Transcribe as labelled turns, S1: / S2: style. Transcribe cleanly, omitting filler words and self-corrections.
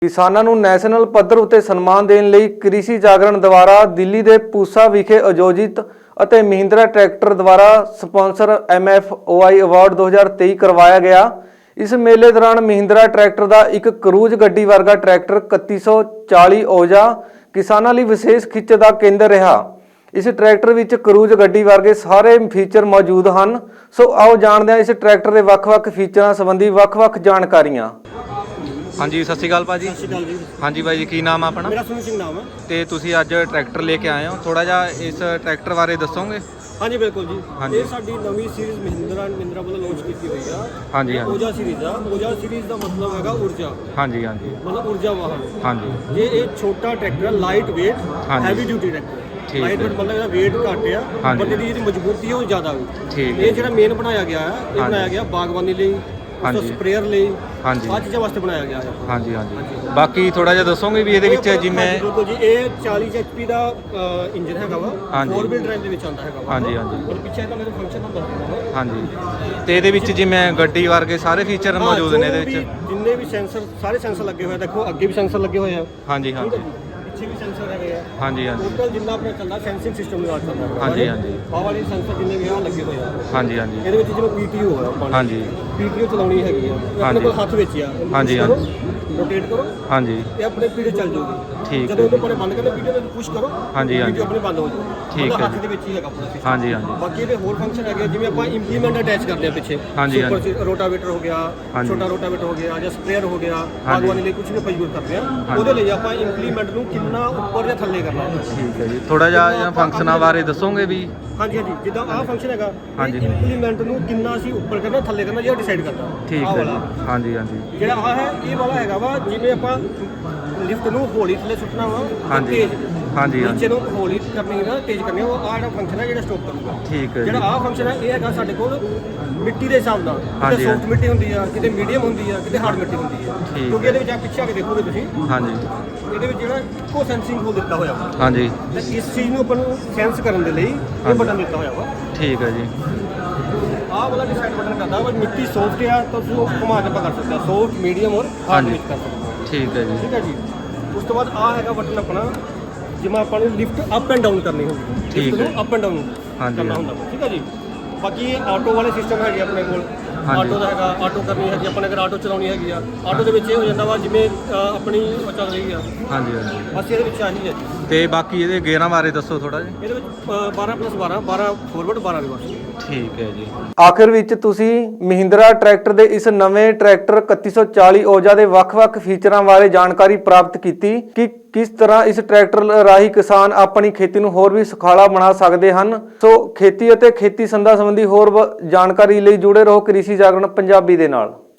S1: ਕਿਸਾਨਾਂ ਨੂੰ ਨੈਸ਼ਨਲ ਪੱਧਰ ਉਤੇ ਸਨਮਾਨ ਦੇਣ ਲਈ ਕ੍ਰਿਸ਼ੀ ਜਾਗਰਣ ਦੁਆਰਾ ਦਿੱਲੀ ਦੇ ਪੂਸਾ ਵਿਖੇ ਆਯੋਜਿਤ ਅਤੇ ਮਹਿੰਦਰਾ ਟਰੈਕਟਰ ਦੁਆਰਾ ਸਪਾਂਸਰ MFOI ਅਵਾਰਡ 2023 ਕਰਵਾਇਆ ਗਿਆ। इस मेले दौरान महिंद्रा ट्रैक्टर का एक क्रूज गड्डी वर्गा ट्रैक्टर 3140 औजा किसानों लिए विशेष खिच का केंद्र रहा। इस ट्रैक्टर विच क्रूज गड्डी वर्गे सारे फीचर मौजूद हैं। सो आओ जानते हैं इस ट्रैक्टर के ਵੱਖ-ਵੱਖ फीचर संबंधी ਵੱਖ-ਵੱਖ जानकारियां। हाँ जी, सत श्री अकाल भाजी। हाँ जी भाई जी, की नाम अपना?
S2: मेरा सुनील सिंह नाम है।
S1: तो तुसी अज ट्रैक्टर लेके आए हो, थोड़ा जा इस ट्रैक्टर बारे दसोगे?
S2: हाँ जी बिल्कुल जी।
S1: हाँ
S2: ये साडी नवी सीरीज महिंद्रा वालों लॉन्च की हुई है।
S1: हाँ जी, हाँ
S2: ओजा सीरीज है। ओजा सीरीज का मतलब है ऊर्जा।
S1: हाँ जी, हाँ जी,
S2: मतलब ऊर्जा वाहन।
S1: हाँ जी।
S2: ये एक छोटा ट्रैक्टर है, लाइट वेट,
S1: हाँ जी।
S2: Heavy duty tractor. Light weight मतलब वेट घट है,
S1: हाँ
S2: पर
S1: जी।
S2: जी मजबूती है वो ज़्यादा
S1: ठीक
S2: है। ये जो मेन बनाया गया है, ये
S1: हाँ
S2: बनाया
S1: जी।
S2: गया बागवानी लिए,
S1: हाँ जी।
S2: स्प्रेयर लिए,
S1: हाँ जी।
S2: आ चीज़ों वास्ते बनाया गया है।
S1: हाँ जी, हाँ जी। बाकी थोड़ा जा दसोगे भी ਇਹਦੇ ਵਿੱਚ ਜਿਵੇਂ?
S2: बिल्कुल जी। ये 40 HP का इंजन है
S1: हाँ जी।
S2: 4 व्हील ड्राइव ਦੇ ਵਿੱਚ ਆਉਂਦਾ ਹੈਗਾ।
S1: हाँ जी, हाँ जी।
S2: और पीछे का मेरे फंक्शन नंबर है।
S1: हाँ जी। ਤੇ ਇਹਦੇ ਵਿੱਚ ਜਿਵੇਂ ਗੱਡੀ ਵਰਗੇ ਸਾਰੇ ਫੀਚਰ ਮੌਜੂਦ ਨੇ ਇਹਦੇ ਵਿੱਚ?
S2: ਜਿੰਨੇ ਵੀ ਸੈਂਸਰ, ਸਾਰੇ ਸੈਂਸਰ ਲੱਗੇ ਹੋਏ ਆ। ਦੇਖੋ ਅੱਗੇ ਵੀ ਸੈਂਸਰ ਲੱਗੇ ਹੋਏ ਆ।
S1: हाँ जी, हाँ जी,
S2: ਪਿੱਛੇ ਵੀ ਸੈਂਸਰ ਹੈਗੇ ਆ।
S1: हाँ जी, हाँ जी,
S2: ਟੋਟਲ ਜਿੰਨਾ ਆਪਣਾ ਚੱਲਦਾ ਸੈਂਸਿੰਗ ਸਿਸਟਮ ਨਾਲ ਚੱਲਦਾ ਹੈ।
S1: हाँ जी, हाँ जी,
S2: ਆਹ ਵਾਲੇ ਸੈਂਸਰ ਜਿੰਨੇ ਵੀ ਆ ਲੱਗੇ ਹੋਏ ਆ।
S1: हाँ जी, हाँ जी,
S2: ਇਹਦੇ ਵਿੱਚ ਜਿਵੇਂ PTO ਹੈ ਆਪਾਂ
S1: हाँ जी,
S2: PTO ਚਲਾਉਣੀ ਹੈਗੀ ਆ। ਇਹ
S1: हाँ
S2: ਆਪਣੇ
S1: जी।
S2: ਕੋਲ ਹੱਥ ਵਿੱਚ ਆ।
S1: हाँ जी, हाँ
S2: ਰੋਟੇਟ ਕਰੋ,
S1: हाँ जी,
S2: ਇਹ ਆਪਣੇ PTO ਚੱਲ ਜਾਊਗੀ।
S1: ठीक
S2: ਜਦੋਂ
S1: है
S2: ਉਹਦੇ ਉੱਪਰ ਬੰਦ ਕਰਦੇ PTO ਨੂੰ ਪੁਸ਼ ਕਰੋ,
S1: हाँ जी, हाँ
S2: PTO
S1: जी,
S2: ਆਪਣੇ ਬੰਦ ਹੋ ਜਾਊ।
S1: ठीक
S2: ਮਤਲਬ
S1: है
S2: ਹੱਥ ਦੇ ਵਿੱਚ ਹੀ ਹੈਗਾ ਆਪਣਾ system।
S1: हाँ जी, हाँ जी,
S2: ਬਾਕੀ ਇਹਦੇ ਹੋਰ ਫੰਕਸ਼ਨ ਹੈਗੇ ਜਿਵੇਂ ਆਪਾਂ ਇੰਪਲੀਮੈਂਟ ਅਟੈਚ ਕਰਦੇ ਆ ਪਿੱਛੇ।
S1: हाँ जी, हाँ
S2: ਸੁਪਰ ਰੋਟਾਵੇਟਰ ਹੋ ਗਿਆ,
S1: हाँ जी।
S2: ਛੋਟਾ ਰੋਟਾਵੇਟਰ ਹੋ ਗਿਆ ਜਾਂ ਸਪਰੇਅਰ ਹੋ ਗਿਆ,
S1: जी।
S2: ਬਾਗਵਾਨੀ ਲਈ ਕੁਝ ਵੀ ਆਪਾਂ ਯੂਜ਼ ਕਰਦੇ ਆ।
S1: हाँ
S2: ਉਹਦੇ
S1: जी।
S2: ਲਈ ਆਪਾਂ ਇੰਪਲੀਮੈਂਟ ਨੂੰ ਕਿੰਨਾ ਉੱਪਰ ਜਾਂ ਥੱਲੇ ਕਰਨਾ ਹੈ।
S1: ਠੀਕ ਹੈ ਜੀ। ਥੋੜਾ ਜਿਹਾ ਫੰਕਸ਼ਨਾਂ ਬਾਰੇ ਦੱਸੋਗੇ ਵੀ?
S2: ਹਾਂਜੀ ਹਾਂਜੀ। ਜਿੱਦਾਂ ਆਹ ਫੰਕਸ਼ਨ ਹੈਗਾ,
S1: हाँ जी।
S2: ਇੰਪਲੀਮੈਂਟ ਨੂੰ ਕਿੰਨਾ ਅਸੀਂ ਉੱਪਰ ਕਰਨਾ ਥੱਲੇ ਕਰਨਾ ਜਿਹੜਾ ਡਿਸਾਈਡ ਕਰਦਾ।
S1: ਠੀਕ
S2: ਆਹ
S1: ਹੈ
S2: ਵਾਲਾ।
S1: ਜੀ। हाँ जी, हाँ जी,
S2: ਜਿਹੜਾ ਆਹ ਹੈ ਇਹ ਵਾਲਾ ਹੈਗਾ ਵਾ, ਜਿਵੇਂ ਆਪਾਂ ਲਿਫਟ ਨੂੰ ਹੌਲੀ ਥੱਲੇ ਸੁੱਟਣਾ ਵਾ,
S1: हाँ जी,
S2: ਤੇਜ਼
S1: हाँ जी, हाँ
S2: ਨੀਚੇ
S1: जी,
S2: ਨੂੰ ਹੌਲੀ ਕਰਨੀ ਹੈ, ਤੇਜ਼ ਕਰਨੀ ਹੈ। ਉਹ ਆਹ ਜਿਹੜਾ ਫੰਕਸ਼ਨ ਹੈ ਜਿਹੜਾ ਸਟਾਪ ਕਰੂਗਾ।
S1: ਠੀਕ ਹੈ
S2: ਜਿਹੜਾ
S1: ਜੀ।
S2: ਆਹ ਫੰਕਸ਼ਨ ਹੈ ਇਹ ਹੈਗਾ ਸਾਡੇ ਕੋਲ ਮਿੱਟੀ ਦੇ ਹਿਸਾਬ ਨਾਲ।
S1: हाँ
S2: ਕਿਤੇ
S1: जी,
S2: ਸੌਫਟ ਮਿੱਟੀ ਹੁੰਦੀ ਆ, ਕਿਤੇ ਮੀਡੀਅਮ ਹੁੰਦੀ ਆ, ਕਿਤੇ ਹਾਰਡ ਮਿੱਟੀ ਹੁੰਦੀ ਆ।
S1: ਠੀਕ
S2: ਕਿਉਂਕਿ
S1: ਹੈ।
S2: ਇਹਦੇ ਵਿੱਚ ਆ ਪਿੱਛੇ ਆ ਕੇ ਦੇਖੋਗੇ ਤੁਸੀਂ,
S1: हाँ जी,
S2: ਇਹਦੇ ਵਿੱਚ ਜਿਹੜਾ ਇੱਕੋ ਸੈਂਸਿੰਗ ਹੋ ਦਿੱਤਾ ਹੋਇਆ ਵਾ।
S1: हाँ जी,
S2: ਤੇ ਇਸ ਚੀਜ਼ ਨੂੰ ਆਪਾਂ ਨੂੰ ਸੈਂਸ ਕਰਨ ਦੇ ਲਈ
S1: हाँ
S2: ਇਹ
S1: जी।
S2: ਬਟਨ ਦਿੱਤਾ ਹੋਇਆ ਵਾ।
S1: ਠੀਕ ਹੈ ਜੀ।
S2: ਆਹ ਵਾਲਾ ਡਿਸਾਈਡ ਬਟਨ ਕਰਦਾ ਵਾ ਮਿੱਟੀ ਸੌਫਟ ਆ ਤਾਂ ਤੁਸੀਂ ਉਹ ਘੁਮਾ ਕੇ ਆਪਾਂ ਕਰ ਸਕਦੇ ਹਾਂ, ਸੌਫਟ, ਮੀਡੀਅਮ ਔਰ
S1: हाँ
S2: ਹਾਰਡ
S1: जी।
S2: ਵਿੱਚ ਕਰ ਸਕਦੇ ਹਾਂ।
S1: ਠੀਕ ਹੈ ਜੀ।
S2: ਠੀਕ ਹੈ ਜੀ। ਉਸ ਤੋਂ ਬਾਅਦ ਆਹ ਹੈਗਾ ਬਟਨ ਆਪਣਾ, ਜਿਵੇਂ ਆਪਾਂ ਨੇ ਲਿਫਟ ਅਪ ਐਂਡ ਡਾਊਨ ਕਰਨੀ ਹੁੰਦੀ ਹੈ।
S1: ਠੀਕ
S2: ਲਿਫਟ
S1: ਹੈ।
S2: ਨੂੰ ਅਪ ਐਂਡ ਡਾਊਨ
S1: ਹਾਂਜੀ,
S2: ਕਰਨਾ
S1: ਹਾਂਜੀ।
S2: ਹੁੰਦਾ ਵਾ। ਠੀਕ ਹੈ ਜੀ। ਬਾਕੀ ਆਟੋ ਵਾਲੇ ਸਿਸਟਮ ਹੈਗੇ ਆਪਣੇ ਕੋਲ।
S1: ਹਾਂਜੀ।
S2: ਆਟੋ ਦਾ ਹੈਗਾ, ਆਟੋ ਕਰਨੀ ਹੈਗੀ ਆਪਾਂ ਨੇ, ਅਗਰ ਆਟੋ ਚਲਾਉਣੀ ਹੈਗੀ ਆ, ਆਟੋ ਦੇ ਵਿੱਚ ਇਹ ਹੋ ਜਾਂਦਾ ਵਾ ਜਿਵੇਂ ਆਪਣੀ ਉਹ ਚੱਲ ਰਹੀ ਆ।
S1: हाँ जी, हाँ जी।
S2: ਬਸ ਇਹਦੇ ਵਿੱਚ ਆਹੀ ਹੈ ਜੀ।
S1: ਤੇ ਬਾਕੀ ਇਹਦੇ ਗੇਅਰਾਂ ਬਾਰੇ ਦੱਸੋ ਥੋੜਾ ਜਿਹਾ।
S2: ਇਹਦੇ ਵਿੱਚ 12+12 12 ਫੋਰਵਰਡ 12 ਰਿਵਰਸ।
S1: ਠੀਕ ਹੈ ਜੀ। ਆਖਿਰ ਵਿੱਚ ਤੁਸੀਂ ਮਹਿੰਦਰਾ ਟਰੈਕਟਰ ਦੇ ਇਸ ਨਵੇਂ ਟਰੈਕਟਰ 3140 ਔਜਾ ਦੇ ਵੱਖ-ਵੱਖ ਫੀਚਰਾਂ ਬਾਰੇ ਜਾਣਕਾਰੀ ਪ੍ਰਾਪਤ ਕੀਤੀ ਕਿ ਕਿਸ ਤਰ੍ਹਾਂ ਇਸ ਟਰੈਕਟਰ ਰਾਹੀਂ ਕਿਸਾਨ ਆਪਣੀ ਖੇਤੀ ਨੂੰ ਹੋਰ ਵੀ ਸੁਖਾਲਾ ਬਣਾ ਸਕਦੇ ਹਨ। ਸੋ ਖੇਤੀ ਅਤੇ ਖੇਤੀ ਸੰਦਾਂ ਸੰਬੰਧੀ ਹੋਰ ਜਾਣਕਾਰੀ ਲਈ ਜੁੜੇ ਰਹੋ ਕ੍ਰਿਸ਼ੀ ਜਾਗਰਣ ਪੰਜਾਬੀ ਦੇ ਨਾਲ।